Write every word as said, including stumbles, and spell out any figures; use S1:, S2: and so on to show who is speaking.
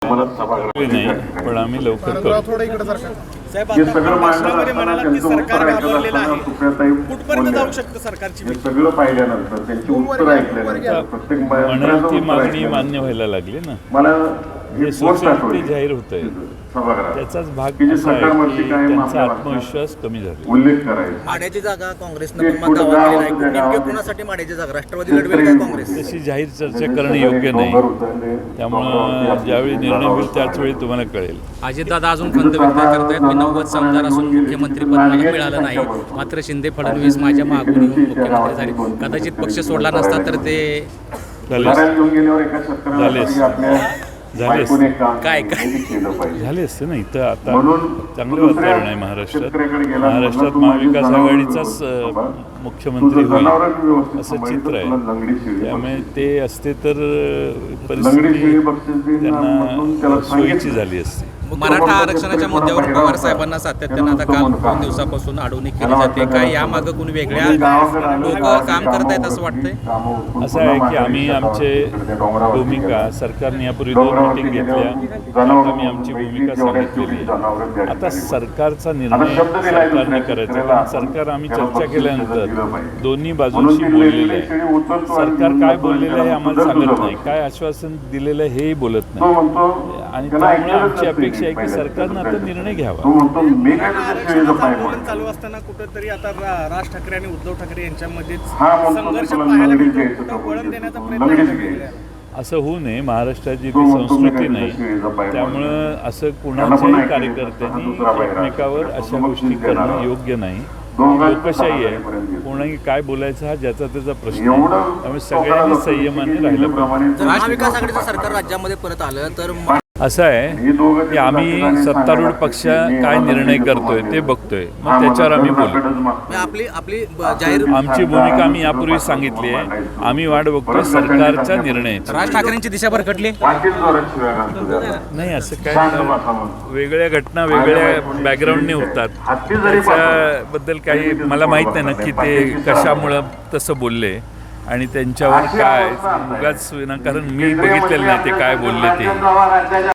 S1: म्हणत सभागृह
S2: नाही, पण आम्ही लवकर करू.
S3: साहेब, आता भाषणामध्ये म्हणालात की सरकार घाबरलेलं आहे, कुठपर्यंत जाऊ शकतं सरकारची भीती?
S1: सगळं पाहिल्यानंतर त्यांची उत्तर ऐकल्यानंतर प्रत्येक
S2: म्हणून ती मागणी
S1: मंत्र्याचं
S2: मान्य व्हायला लागली ना.
S1: मला
S2: हे
S1: हे पोस्ट
S2: सोशल
S1: आठवली
S2: ते जाहीर होत आहे,
S1: सभागृहात
S2: त्याचाच भाग
S1: की जे
S2: असा आहे
S1: सरकारवरती
S2: की
S1: कायम
S2: त्यांचा
S1: आपल्या
S2: आत्मविश्वास कमी झाला.
S1: उल्लेख करायचा
S4: माड्याची जागा काँग्रेसनं
S1: ते
S4: पण
S1: कुठं
S4: दावा
S1: गाव
S4: केलेला आहे.
S1: होतं त्या
S4: नेमके
S1: गावात?
S4: कोणासाठी माड्याची जागा राष्ट्रवादी लढवेल का काँग्रेस?
S2: तशी जाहीर चर्चा करणं योग्य नाही. त्यामुळं ज्यावेळी निर्णय होईल त्याच वेळी तुम्हाला कळेल.
S5: अजितदादा अजून खंत व्यक्त करतायत. मी नव्वद आमदार असून मुख्यमंत्रीपद मला मिळालं नाही, मात्र शिंदे फडणवीस माझ्या मागून येऊन मुख्यमंत्री झाले. कदाचित पक्ष सोडला नसता तर ते
S2: झाले झाले झाले असते
S5: काय काय
S2: झाले असते ना. इथं आता चांगलं वातावरण आहे महाराष्ट्रात. महाराष्ट्रात महाविकास आघाडीचाच अ, मुख्यमंत्री होईल असं चित्र आहे. त्यामुळे ते असते तर अ, परिस्थिती त्यांना सोयीची झाली असती.
S5: मराठा आरक्षणाच्या मुद्द्यावर पवार साहेबांना सातत्यानं आता काल दोन दिवसापासून अडवणूक केली जाते. काय यामागं कोणी वेगळ्या लोक काम करत आहेत असं वाटतंय?
S2: असं आहे की आम्ही आमचे भूमिका सरकारने यापूर्वी दोन मिटिंग घेतल्या, आता मी आमची भूमिका सांगितलेली आहे. आता सरकारचा निर्णय सरकारने करायचा. कारण सरकार आम्ही चर्चा केल्यानंतर दोन्ही बाजूंशी बोललेलं आहे. सरकार काय बोललेलं आहे आम्हाला सांगत नाही, काय आश्वासन दिलेलं आहे हेही बोलत नाही. आणि त्यामुळे आमची अपेक्षा आहे की सरकारनं आता निर्णय घ्यावा.
S3: आरक्षणाचं आंदोलन चालू असताना कुठंतरी आता रा- राज ठाकरे आणि उद्धव ठाकरे यांच्यामध्येच संघर्ष पाहायला मिळतो. कुठं वळण देण्याचा प्रयत्न केला आहे.
S2: असं होऊ नये. महाराष्ट्राची ती संस्कृती नाही. त्यामुळं असं कुणाच्याही कार्यकर्त्यांनी एकमेकावर अशा गोष्टी करणं योग्य नाही. लोकशाही आहे, कोणाही काय बोलायचं हा ज्याचा त्याचा प्रश्न आहे. त्यामुळे सगळ्यांनी संयमाने राहिलं पाहिजे.
S4: जर महाविकास आघाडीचं सरकार राज्यामध्ये परत आलं तर मा-
S2: असं आहे की आम्ही सत्तारूढ पक्ष काय निर्णय करतोय ते बघतोय, मग त्याच्यावर आम्ही बोलू.
S4: म्हणजे आपली आपली ब- जाहीर
S2: आमची भूमिका आम्ही यापूर्वी सांगितली आहे. आम्ही वाट बघतोय सरकारच्या निर्णयाची.
S5: राज ठाकरेंची दिशा भरकटली
S2: नाही, असं काय वेगळ्या घटना वेगळ्या बॅकग्राऊंडने होतात. त्याच्याबद्दल काही मला माहीत नाही नक्की ते कशामुळं तसं बोलले आणि त्यांच्यावर काय उगाच विनाकारण मी बघितलेलं नाही ते काय बोलले ते.